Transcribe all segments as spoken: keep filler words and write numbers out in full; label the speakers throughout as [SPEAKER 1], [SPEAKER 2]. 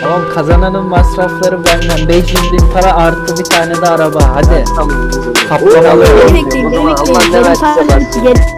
[SPEAKER 1] Tamam, kazananın masrafları benden. beş yüz bin para artı bir tane de araba. Hadi.
[SPEAKER 2] Tamam.
[SPEAKER 1] Kaplamalı.
[SPEAKER 3] Beni bekleyin, beni
[SPEAKER 2] Allah
[SPEAKER 3] bekleyin.
[SPEAKER 2] ne
[SPEAKER 3] Benim
[SPEAKER 2] verse
[SPEAKER 3] sadece
[SPEAKER 2] versin.
[SPEAKER 3] yedi-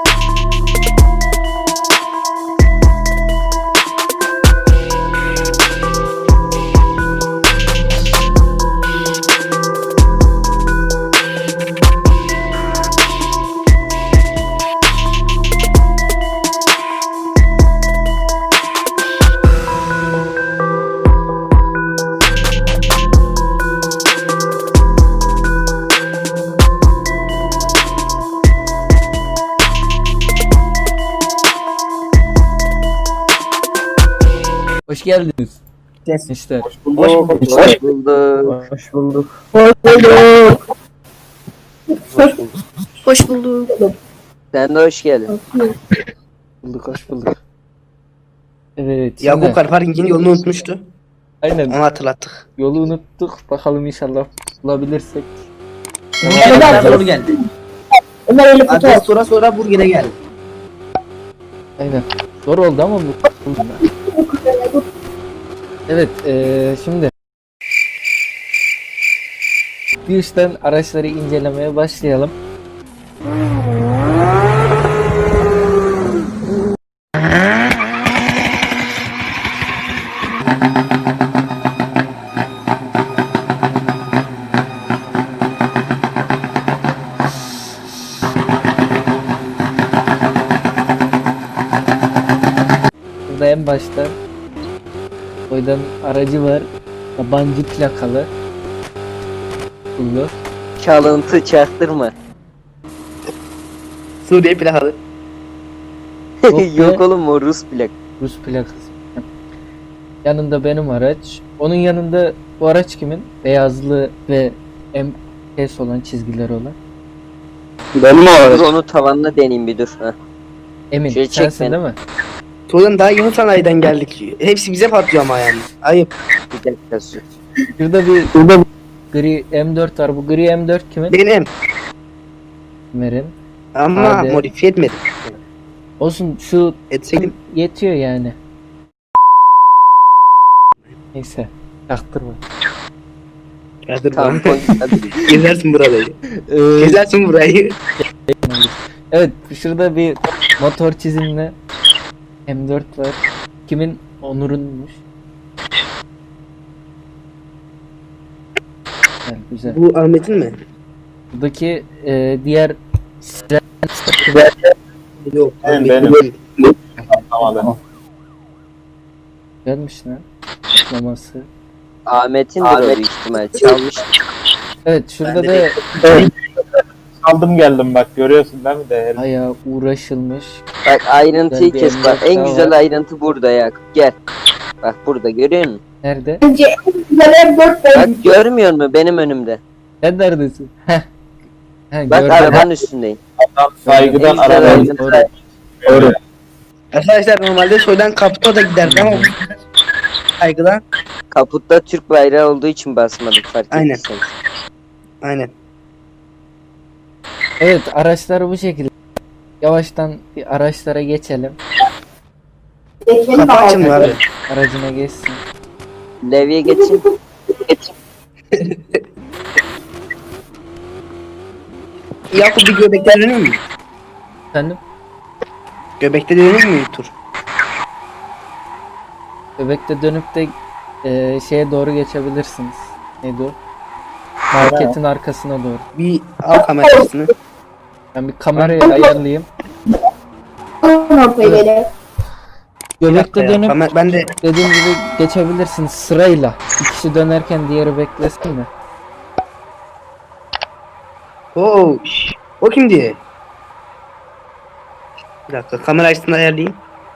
[SPEAKER 1] Hoş geldiniz.
[SPEAKER 4] Yes.
[SPEAKER 1] İşte.
[SPEAKER 4] Hoş bulduk.
[SPEAKER 2] Hoş bulduk.
[SPEAKER 4] Hoş bulduk.
[SPEAKER 3] Hoş bulduk.
[SPEAKER 2] Sen de hoş geldin.
[SPEAKER 1] Bulduk, hoş bulduk. Evet. Şimdi,
[SPEAKER 4] Yakup Karpar'ın yolunu unutmuştu.
[SPEAKER 1] aynen.
[SPEAKER 4] Onu hatırlattık.
[SPEAKER 1] Yolu unuttuk. Bakalım inşallah bulabilirsek.
[SPEAKER 4] Ömer doğru geldi.
[SPEAKER 3] Ömer öyle fotoğraf.
[SPEAKER 4] Adres sonra sonra Burger'e geldi.
[SPEAKER 1] Aynen. Zor oldu ama bu. Evet, eee, şimdi bir üstten araçları incelemeye başlayalım. Burada en başta Koydan aracı var. Yabancı plakalı. Buldu.
[SPEAKER 2] Çalıntı çaktırma.
[SPEAKER 4] Suriye plakalı.
[SPEAKER 1] Yok be.
[SPEAKER 2] Yok oğlum o Rus plak.
[SPEAKER 1] Rus plakası. Yanında benim araç. Onun yanında bu araç kimin? Beyazlı ve M S olan çizgileri olan.
[SPEAKER 4] Benim
[SPEAKER 2] Dur onu tavanına deneyeyim bir dur. Heh.
[SPEAKER 1] Emin
[SPEAKER 2] Şöyle çek
[SPEAKER 1] sensin
[SPEAKER 2] beni.
[SPEAKER 1] değil mi?
[SPEAKER 4] Tuğlan daha yeni sanayiden geldik. Hepsi bize patlıyor ama yani. Ayıp.
[SPEAKER 2] Bir dakika sus.
[SPEAKER 1] Şurada bir gri M dört var. Bu gri M dört kimin?
[SPEAKER 4] Benim.
[SPEAKER 1] Ömer'in.
[SPEAKER 4] Ama
[SPEAKER 1] Hadi.
[SPEAKER 4] modifiye etmedim.
[SPEAKER 1] Olsun, şu
[SPEAKER 4] Etseydim.
[SPEAKER 1] yetiyor yani. Neyse. Çaktırma.
[SPEAKER 4] Yadır
[SPEAKER 2] Tamam
[SPEAKER 4] bana.
[SPEAKER 2] koy. Hadi.
[SPEAKER 4] Gezersin burayı.
[SPEAKER 1] Ee,
[SPEAKER 4] Gezersin burayı.
[SPEAKER 1] Evet, şurada bir motor çizimli M dört var. Kimin? Onur'unmuş. Güzel, güzel.
[SPEAKER 4] Bu Ahmet'in mi?
[SPEAKER 1] Buradaki e, diğer
[SPEAKER 4] Yok.
[SPEAKER 5] Benim,
[SPEAKER 4] Ahmet'in
[SPEAKER 5] benim.
[SPEAKER 4] değil.
[SPEAKER 5] Tamam.
[SPEAKER 1] gelmiş lan. Atlaması.
[SPEAKER 2] Ahmet'in de büyük ihtimal çalmış.
[SPEAKER 1] Evet, şurada
[SPEAKER 4] Ben de
[SPEAKER 1] da
[SPEAKER 5] Aldım geldim bak görüyorsun değil mi değerli?
[SPEAKER 1] bayağı uğraşılmış.
[SPEAKER 2] Bak ayrıntıyı
[SPEAKER 1] Güzel bir
[SPEAKER 2] kes bak. En
[SPEAKER 1] emlak
[SPEAKER 2] güzel
[SPEAKER 1] daha var.
[SPEAKER 2] ayrıntı burada ya. Gel. Bak burada görüyor musun?
[SPEAKER 1] Nerede?
[SPEAKER 2] Bak görmüyor musun benim önümde?
[SPEAKER 1] Sen neredesin? Heh. Heh,
[SPEAKER 2] Bak
[SPEAKER 1] gördüm.
[SPEAKER 2] arabanın üstündeyim.
[SPEAKER 5] Adam saygıdan
[SPEAKER 2] En güzel
[SPEAKER 5] arabayı
[SPEAKER 2] ayrıntı.
[SPEAKER 1] Doğru.
[SPEAKER 5] doğru.
[SPEAKER 4] Arkadaşlar normalde soydan kapıda da giderdi ama saygıdan.
[SPEAKER 2] Kaputta Türk bayrağı olduğu için basmadık fark
[SPEAKER 4] Aynen.
[SPEAKER 2] ettiyseniz.
[SPEAKER 4] Aynen.
[SPEAKER 1] Evet, araçlar bu şekilde. Yavaştan bir araçlara geçelim.
[SPEAKER 4] Kapı açılmıyor abi.
[SPEAKER 1] Aracına geçsin.
[SPEAKER 2] Levye geçin. Geçin.
[SPEAKER 4] Yakup bir göbekte dönüyor mu?
[SPEAKER 1] Efendim?
[SPEAKER 4] Göbekte dönüyor mu tur?
[SPEAKER 1] Bebekte dönüp de e, şeye doğru geçebilirsiniz. Neydi o? Marketin arkasına doğru.
[SPEAKER 4] Bir al kamerasını.
[SPEAKER 1] Ben bir kamerayı ayarlayayım.
[SPEAKER 4] Bir dakika
[SPEAKER 1] Göbekte
[SPEAKER 4] ya,
[SPEAKER 1] dönüp
[SPEAKER 4] kamer- ben de
[SPEAKER 1] dediğim gibi geçebilirsiniz sırayla. Bir kişi dönerken diğeri beklesin mi?
[SPEAKER 4] Oo, şş, o kim diye? Bir dakika kamera açısını ayarlayayım.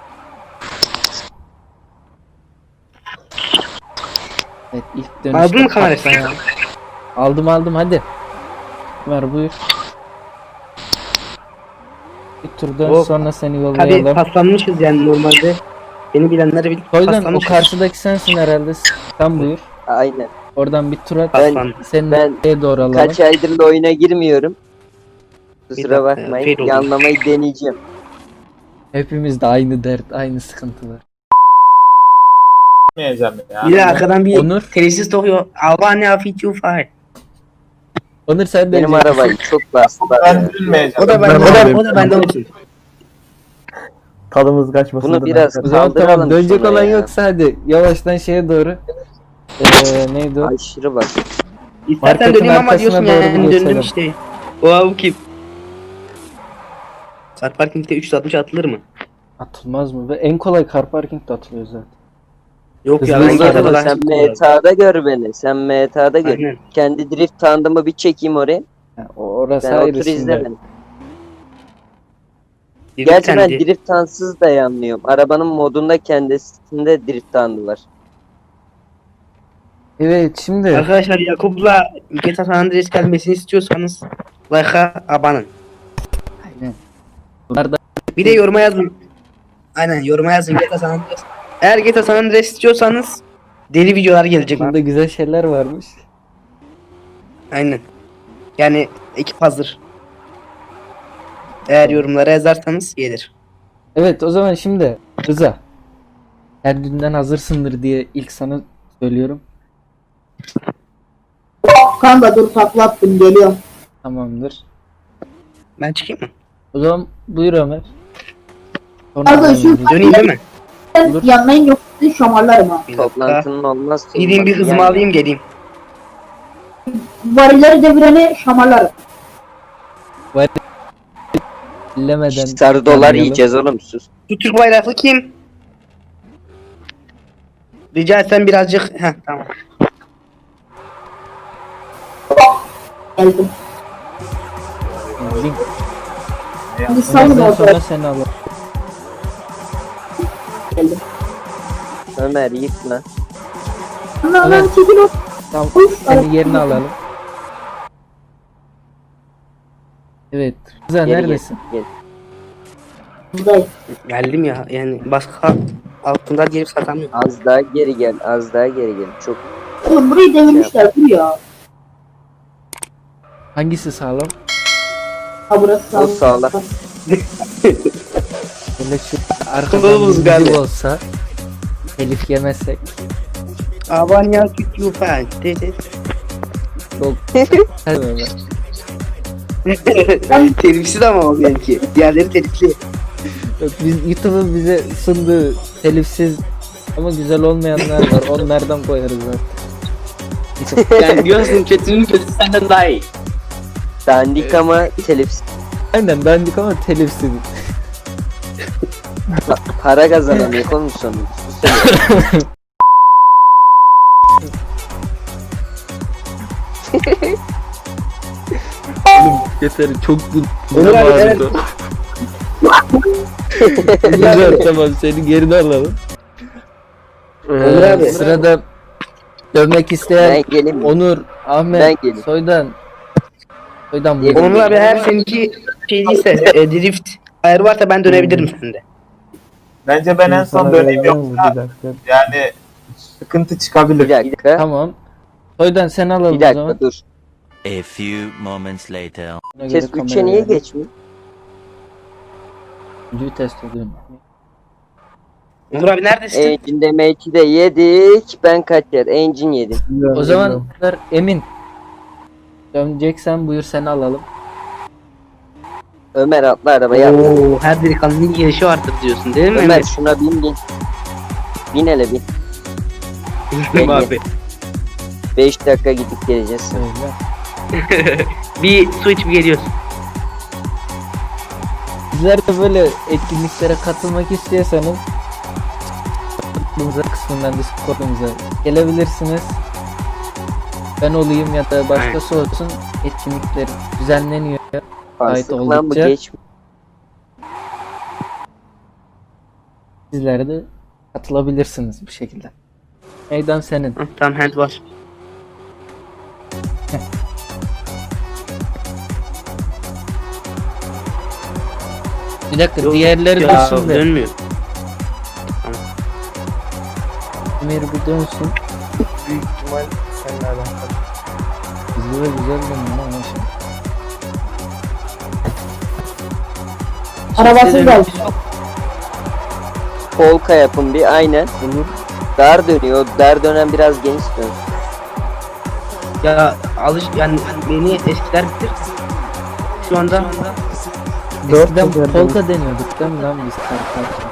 [SPEAKER 1] Evet, ilk dönüşte
[SPEAKER 4] Aldın mı kamerasını?
[SPEAKER 1] patlayan- Aldım aldım hadi. Ver buyur. Bir tur dön
[SPEAKER 4] Hop.
[SPEAKER 1] sonra seni
[SPEAKER 4] Tabii
[SPEAKER 1] yollayalım.
[SPEAKER 4] paslanmışız yani normalde. Beni bilenler bilir.
[SPEAKER 1] Soydan o
[SPEAKER 4] Paslanmışız.
[SPEAKER 1] karşıdaki sensin herhalde. Sen buyur.
[SPEAKER 2] Aynen.
[SPEAKER 1] Oradan bir tur at.
[SPEAKER 2] Ben-
[SPEAKER 4] Paslan.
[SPEAKER 1] Seni
[SPEAKER 2] ben
[SPEAKER 1] nereye doğru alalım?
[SPEAKER 2] Kaç aydır da oyuna girmiyorum.
[SPEAKER 4] Bir
[SPEAKER 2] Kusura
[SPEAKER 4] dakika ya,
[SPEAKER 2] bakmayın.
[SPEAKER 4] fail oldu.
[SPEAKER 2] Yanlamayı deneyeceğim.
[SPEAKER 1] Hepimizde aynı dert, aynı sıkıntı var.
[SPEAKER 5] Bilmeyeceğim ya.
[SPEAKER 4] Bir de arkadan bir
[SPEAKER 1] Onur.
[SPEAKER 4] telsiz tokuyor. Albanya fit you fire.
[SPEAKER 1] Onur sen de
[SPEAKER 2] Benim
[SPEAKER 1] diyeceksin.
[SPEAKER 2] arabayı çok bastılar
[SPEAKER 5] Ben
[SPEAKER 2] ya.
[SPEAKER 5] bilmeyeceğim.
[SPEAKER 4] O da bende, o da, o da bende olsun.
[SPEAKER 6] Tadımız kaçmasın.
[SPEAKER 2] Bunu biraz
[SPEAKER 1] O zaman tamam,
[SPEAKER 2] kaldıralım.
[SPEAKER 1] dönecek
[SPEAKER 2] şunu
[SPEAKER 1] olan
[SPEAKER 2] ya.
[SPEAKER 1] yoksa hadi yavaştan şeye doğru. Ee, neydi o?
[SPEAKER 2] Aşırı bak.
[SPEAKER 4] İstersen
[SPEAKER 1] Marketin
[SPEAKER 4] döneyim ama
[SPEAKER 1] arkasına
[SPEAKER 4] diyorsun
[SPEAKER 1] doğru
[SPEAKER 4] yani
[SPEAKER 1] bir
[SPEAKER 4] döndüm
[SPEAKER 1] geçelim.
[SPEAKER 4] işte. Oha bu kim? Car parking'de üç yüz altmış atılır mı?
[SPEAKER 1] Atılmaz mı? Ve en kolay car parking de atılıyor zaten.
[SPEAKER 4] Yok ya
[SPEAKER 1] Hızlı
[SPEAKER 4] ben
[SPEAKER 1] hızlı
[SPEAKER 4] G T A'da
[SPEAKER 1] araba,
[SPEAKER 4] daha
[SPEAKER 2] Sen
[SPEAKER 4] çok
[SPEAKER 2] M T A'da gör beni. Sen M T A'da gör.
[SPEAKER 4] Aynen.
[SPEAKER 2] Kendi drift tandımı bir çekeyim oraya.
[SPEAKER 1] Yani o- orası
[SPEAKER 2] Sen
[SPEAKER 1] ayrı
[SPEAKER 2] otur izle
[SPEAKER 1] şimdi.
[SPEAKER 2] beni.
[SPEAKER 4] Bir
[SPEAKER 2] Gerçi ben
[SPEAKER 4] kendi-
[SPEAKER 2] drift tansız da yanmıyorum. Arabanın modunda kendisinde drift tandı var.
[SPEAKER 1] Evet şimdi
[SPEAKER 4] Arkadaşlar Yakup'la G T A San Andreas gelmesini istiyorsanız like'a abanın.
[SPEAKER 1] aynen. Bunlar da
[SPEAKER 4] Bir de yoruma yazın. Aynen yoruma yazın G T A San Andreas. Eğer G T A San Andreas istiyorsanız deli videolar gelecek.
[SPEAKER 1] bunda güzel şeyler varmış.
[SPEAKER 4] Aynen. Yani ekip hazır. Eğer yorumlara yazarsanız gelir.
[SPEAKER 1] Evet o zaman şimdi Rıza. Kendinden hazırsındır diye ilk sana söylüyorum.
[SPEAKER 3] Kanka dur takla attım geliyorum.
[SPEAKER 1] Tamamdır.
[SPEAKER 4] Ben çıkayım mı?
[SPEAKER 1] O zaman buyur Ömer. Sonra
[SPEAKER 3] Kanka
[SPEAKER 1] ben
[SPEAKER 3] şu
[SPEAKER 1] yürüyeceğim.
[SPEAKER 4] Döneyim değil mi?
[SPEAKER 1] Olur.
[SPEAKER 3] yanmayın yoksa sizi şamarlarım ha.
[SPEAKER 4] Bir dakika.
[SPEAKER 2] Toplantının olmaz.
[SPEAKER 4] Gideyim bir hızımı
[SPEAKER 2] Yani
[SPEAKER 4] alayım geleyim.
[SPEAKER 3] Varilleri devireni şamarlarım.
[SPEAKER 1] Billemeden
[SPEAKER 2] Sarı dolar
[SPEAKER 1] tanıyalım.
[SPEAKER 2] yiyeceğiz oğlum sus.
[SPEAKER 4] Bu Türk bayraklı kim? Rica etsem birazcık... Heh tamam.
[SPEAKER 3] Geldim.
[SPEAKER 1] Link.
[SPEAKER 3] Şimdi salın
[SPEAKER 1] Ondan
[SPEAKER 3] orada.
[SPEAKER 1] sonra seni alalım.
[SPEAKER 3] Geldim.
[SPEAKER 2] Ömer yıkma.
[SPEAKER 3] Lan lan
[SPEAKER 1] Evet.
[SPEAKER 3] çekil o.
[SPEAKER 1] Tamam.
[SPEAKER 3] Uf,
[SPEAKER 1] Seni yerine alalım. Evet. Rıza
[SPEAKER 2] Geri
[SPEAKER 1] neredesin?
[SPEAKER 2] Gel.
[SPEAKER 3] Buradayım.
[SPEAKER 4] Geldim ya yani başka altında gelip satamıyorum.
[SPEAKER 2] Az daha geri gel. Az daha geri gel. Çok
[SPEAKER 3] Oğlum burayı devirmişler dur ya.
[SPEAKER 1] Hangisi sağlam?
[SPEAKER 3] Ha burası
[SPEAKER 2] O sağlam.
[SPEAKER 1] Böyle şu arkadan
[SPEAKER 4] Kılavuz
[SPEAKER 1] bir
[SPEAKER 4] geldi.
[SPEAKER 1] müzik olsa telif yemezsek
[SPEAKER 4] Abanya fit you fire. Dedi.
[SPEAKER 1] çok Hadi Ömer.
[SPEAKER 4] Telifsiz ama o benimki. Diğerleri telifli.
[SPEAKER 1] Yok, biz YouTube'un bize sunduğu telifsiz ama güzel olmayanlar var. Onlardan koyarız zaten.
[SPEAKER 4] Yani diyorsun kötünün kötüsü senden daha iyi.
[SPEAKER 2] dandik ama telif
[SPEAKER 1] Aynen dandik ama telifsiz.
[SPEAKER 2] para kazanamıyor oğlum sonu. Sus.
[SPEAKER 1] Yeter çok bu.
[SPEAKER 4] Onur abi, evet.
[SPEAKER 1] Güzel tamam seni geride alalım.
[SPEAKER 4] Onur abi.
[SPEAKER 1] Ee, sırada dövmek isteyen
[SPEAKER 2] Ben geleyim mi?
[SPEAKER 1] Onur,
[SPEAKER 2] Ben
[SPEAKER 1] Ahmet,
[SPEAKER 2] geleyim.
[SPEAKER 1] Soydan. Soydan
[SPEAKER 2] Gelin.
[SPEAKER 1] buyur.
[SPEAKER 4] Onur abi eğer seninki şey değilse e, drift ayarı varsa ben dönebilirim sende.
[SPEAKER 5] Bence ben en son döneyim yoksa yani sıkıntı
[SPEAKER 2] Bir
[SPEAKER 5] çıkabilir.
[SPEAKER 2] dakika.
[SPEAKER 1] Tamam. Soydan sen alalım
[SPEAKER 2] Bir
[SPEAKER 1] o zaman.
[SPEAKER 2] dakika dur.
[SPEAKER 7] A few moments later.
[SPEAKER 1] Ona göre
[SPEAKER 2] Ses üçe
[SPEAKER 1] kameraya
[SPEAKER 2] niye
[SPEAKER 1] verelim.
[SPEAKER 2] geçmiyor?
[SPEAKER 1] Üçüncüyü test ediyorum.
[SPEAKER 4] Onur abi neredesin?
[SPEAKER 2] Engine demeyi de yedik. Ben kaç yer? Engine yedim.
[SPEAKER 1] O zaman Emin. Döneceksen buyur seni alalım.
[SPEAKER 2] Ömer atla arabaya. atla.
[SPEAKER 4] Oo, her delikanlının girişi vardır diyorsun değil mi?
[SPEAKER 2] Ömer şuna bin bin. Bin hele bin.
[SPEAKER 4] Ömer abi.
[SPEAKER 2] beş dakika gidip geleceğiz.
[SPEAKER 1] Söyle.
[SPEAKER 4] Bir su içip geliyorsun.
[SPEAKER 1] Sizler de böyle etkinliklere katılmak istiyorsanız Discord'umuza kısmından Discord'umuza gelebilirsiniz. Ben olayım ya da başkası olsun etkinlikler düzenleniyor.
[SPEAKER 2] Fasık lan bu
[SPEAKER 1] oldukça.
[SPEAKER 2] geç.
[SPEAKER 1] Sizler de katılabilirsiniz bu şekilde. Meydan senin.
[SPEAKER 4] Hı, tamam hand var.
[SPEAKER 1] Bir dakika
[SPEAKER 4] Yok,
[SPEAKER 1] diğerleri
[SPEAKER 4] Ya
[SPEAKER 1] dönsün de.
[SPEAKER 4] dönmüyor.
[SPEAKER 1] Ömer bir dönsün.
[SPEAKER 6] Büyük ihtimal seninle alakalı.
[SPEAKER 1] Hızlı ve güzel dönüyor ama şimdi.
[SPEAKER 3] Arabasız geldi.
[SPEAKER 2] Polka yapın bir aynen.
[SPEAKER 1] Olur.
[SPEAKER 2] dar dönüyor. Dar dönen biraz geniş dön.
[SPEAKER 4] Ya alış yani beni eskiler bitir. Şu anda
[SPEAKER 1] Eskiden polka deniyorduk değil mi lan biz kardeşler?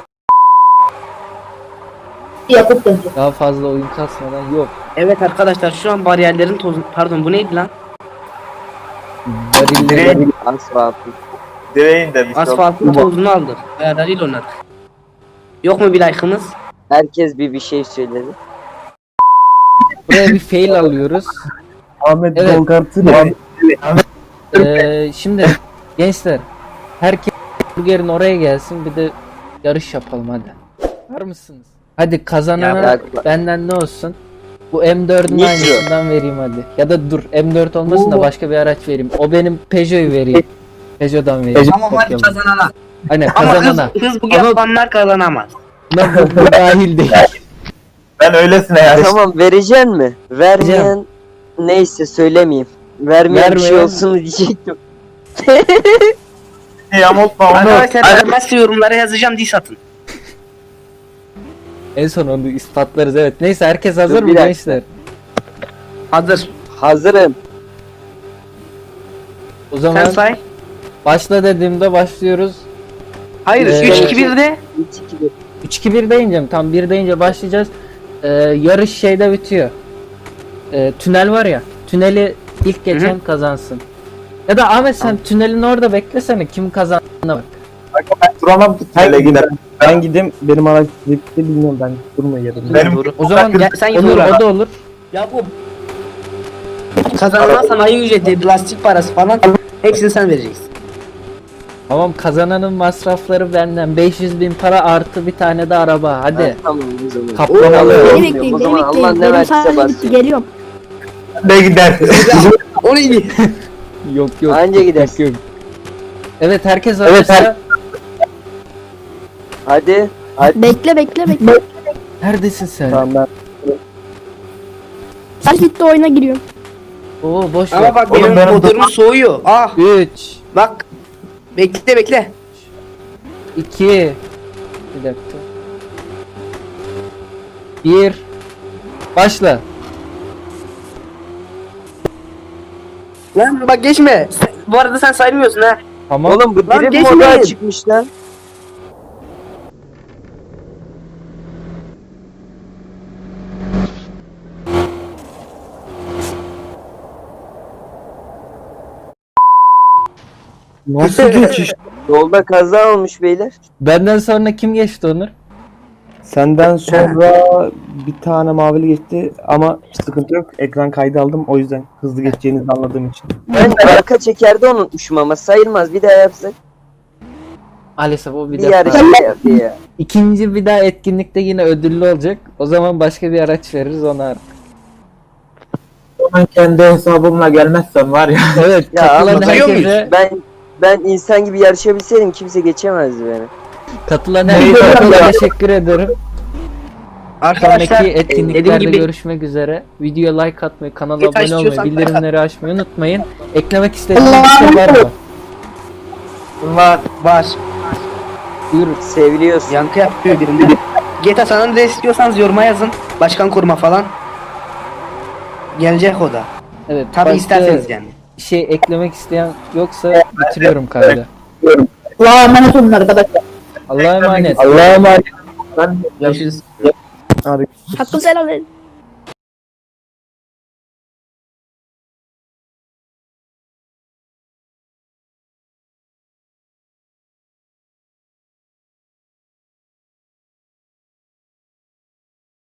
[SPEAKER 3] Yapıp dönecek.
[SPEAKER 1] Daha fazla oyun kasmadan yok.
[SPEAKER 4] evet arkadaşlar şu an bariyerlerin tozu pardon bu neydi lan?
[SPEAKER 1] Varilleri
[SPEAKER 5] Direğin,
[SPEAKER 2] Asfaltı.
[SPEAKER 5] direğin de bir şey
[SPEAKER 4] Asfaltın tozunu aldık. Ayarlarıyla oynadık. Yok mu bir like'ımız?
[SPEAKER 2] Herkes bir bir şey söyledi.
[SPEAKER 1] buraya bir fail alıyoruz.
[SPEAKER 6] Ahmet
[SPEAKER 1] Evet.
[SPEAKER 6] Dolgart'ın
[SPEAKER 1] Ee, şimdi gençler herkes burgerin oraya gelsin bir de yarış yapalım hadi. Var mısınız? Hadi kazanana
[SPEAKER 2] Ya,
[SPEAKER 1] benden ne olsun? Bu M dördün
[SPEAKER 2] Nitro.
[SPEAKER 1] aynısından vereyim hadi. Ya da dur M dört olmasın da başka bir araç vereyim. O benim Peugeot'u vereyim. Peugeot'dan vereyim.
[SPEAKER 4] Ama hadi
[SPEAKER 1] Kopyalım.
[SPEAKER 4] kazanana.
[SPEAKER 1] Aynen
[SPEAKER 4] Ama hız,
[SPEAKER 1] kazanana.
[SPEAKER 4] hız bu
[SPEAKER 1] Ama-
[SPEAKER 4] yapanlar kazanamaz.
[SPEAKER 1] Lan bu, bu dahil değil.
[SPEAKER 5] Ben öylesine yani.
[SPEAKER 2] Tamam vereceksin mi? Vermeyen neyse söylemeyeyim. Vermeyen bir şey
[SPEAKER 1] Vermeyen-
[SPEAKER 2] olsun diyecektim.
[SPEAKER 5] Yamultma onu.
[SPEAKER 4] Arkadaşlar vermezse yorumlara yazacağım diye satın.
[SPEAKER 1] En son onu ispatlarız evet. Neyse herkes hazır
[SPEAKER 2] Dur,
[SPEAKER 1] mı
[SPEAKER 2] bir dakika.
[SPEAKER 1] gençler?
[SPEAKER 4] Hazır.
[SPEAKER 2] Hazırım.
[SPEAKER 1] O zaman
[SPEAKER 4] Sen say.
[SPEAKER 1] başla dediğimde başlıyoruz.
[SPEAKER 4] Hayır
[SPEAKER 1] Ee,
[SPEAKER 4] üç iki birde.
[SPEAKER 2] üç iki bir.
[SPEAKER 1] üç iki bir deyince mi? Tam bir deyince başlayacağız. Ee, yarış şeyde bitiyor. Ee, tünel var ya. Tüneli ilk geçen kazansın. Ya da Ahmet sen tünelin orada beklesene kim kazandığına bak.
[SPEAKER 5] Ben duramam ki tünele giderim.
[SPEAKER 6] ben gideyim benim araç gitti bilmiyorum ben durma yerim.
[SPEAKER 5] Benim
[SPEAKER 4] Doğru.
[SPEAKER 1] O zaman
[SPEAKER 4] Gel, sen git
[SPEAKER 1] olur
[SPEAKER 4] oraya.
[SPEAKER 1] o da olur.
[SPEAKER 4] Ya bu kazanılan sanayi ücreti, lastik parası falan hepsini sen vereceksin.
[SPEAKER 1] Tamam kazananın masrafları benden beş yüz bin para artı bir tane de araba hadi.
[SPEAKER 2] Ha, tamam o zaman.
[SPEAKER 1] Kaplamalı.
[SPEAKER 2] Oo.
[SPEAKER 8] Beni
[SPEAKER 2] Olmuyor.
[SPEAKER 8] bekleyin,
[SPEAKER 2] O
[SPEAKER 8] beni
[SPEAKER 2] zaman Allah
[SPEAKER 8] bekleyin.
[SPEAKER 2] ne
[SPEAKER 8] Benim
[SPEAKER 2] verdiyse
[SPEAKER 8] sadece bitti,
[SPEAKER 2] basıyor.
[SPEAKER 8] geliyorum.
[SPEAKER 5] de gider.
[SPEAKER 4] O neydi?
[SPEAKER 1] Yok yok.
[SPEAKER 2] Anca
[SPEAKER 1] yok,
[SPEAKER 2] gidersin.
[SPEAKER 1] yok. Evet herkes
[SPEAKER 5] Evet,
[SPEAKER 1] hazırsa
[SPEAKER 2] Hadi.
[SPEAKER 8] Bekle bekle bekle.
[SPEAKER 1] neredesin sen?
[SPEAKER 6] Tamam ben
[SPEAKER 8] Saç bitti, oyuna giriyorum.
[SPEAKER 1] Oo boş ver.
[SPEAKER 4] Ama bak
[SPEAKER 5] Oğlum
[SPEAKER 4] benim
[SPEAKER 5] benim-
[SPEAKER 4] motorum soğuyor. Ah
[SPEAKER 1] üç
[SPEAKER 4] bak. Bekle bekle.
[SPEAKER 1] iki bir dakika. bir Başla.
[SPEAKER 4] Lan bak geçme. Sen- bu arada sen saymıyorsun ha.
[SPEAKER 1] Tamam.
[SPEAKER 2] Oğlum bu
[SPEAKER 4] Lan
[SPEAKER 2] drift
[SPEAKER 4] geçmeyin.
[SPEAKER 2] modu çıkmış lan.
[SPEAKER 6] nasıl geçiş?
[SPEAKER 2] Yolda kaza olmuş beyler.
[SPEAKER 1] Benden sonra kim geçti Onur?
[SPEAKER 6] Senden sonra bir tane mavili geçti ama sıkıntı yok. Ekran kaydı aldım o yüzden hızlı geçeceğinizi anladığım için.
[SPEAKER 2] Ben arka çekerde unutmuşum ama sayılmaz. Bir daha yapsak.
[SPEAKER 1] Maalesef o bir
[SPEAKER 2] Bir
[SPEAKER 1] defa.
[SPEAKER 2] yarış yaptı ya.
[SPEAKER 1] İkinci bir daha etkinlikte yine ödüllü olacak. O zaman başka bir araç veririz ona artık.
[SPEAKER 5] Ben kendi hesabımla gelmezsem var ya.
[SPEAKER 1] Evet
[SPEAKER 2] Ya
[SPEAKER 1] katılan
[SPEAKER 2] ama
[SPEAKER 4] duyuyor
[SPEAKER 1] herkese,
[SPEAKER 2] Ben ben insan gibi yarışabilseydim kimse geçemezdi beni.
[SPEAKER 1] katılan herkese teşekkür ederim.
[SPEAKER 4] Arkadaşlar
[SPEAKER 1] Sonraki
[SPEAKER 4] e, dediğim
[SPEAKER 1] etkinliklerde
[SPEAKER 4] gibi
[SPEAKER 1] görüşmek üzere. Videoya like atmayı, kanala
[SPEAKER 4] Yeter
[SPEAKER 1] abone olmayı,
[SPEAKER 4] istiyorsan-
[SPEAKER 1] bildirimleri açmayı unutmayın. Eklemek istediğiniz bir şey var mı?
[SPEAKER 5] Bunlar
[SPEAKER 4] var.
[SPEAKER 1] Buyurun.
[SPEAKER 2] Seviliyorsun.
[SPEAKER 4] Yankı yapıyor birinde. G T A San Andreas istiyorsanız yoruma yazın. Başkan kurma falan. Gelecek o da.
[SPEAKER 1] Evet.
[SPEAKER 4] Tabi
[SPEAKER 1] başka
[SPEAKER 4] isterseniz yani.
[SPEAKER 1] şey eklemek isteyen yoksa bitiriyorum kaydı.
[SPEAKER 3] Allah'a emanet olun arkadaşlar.
[SPEAKER 1] Allah'a emanet.
[SPEAKER 5] Allah'a emanet.
[SPEAKER 4] Görüşürüz.
[SPEAKER 6] Hadi.
[SPEAKER 8] Hakkınızı helal edin.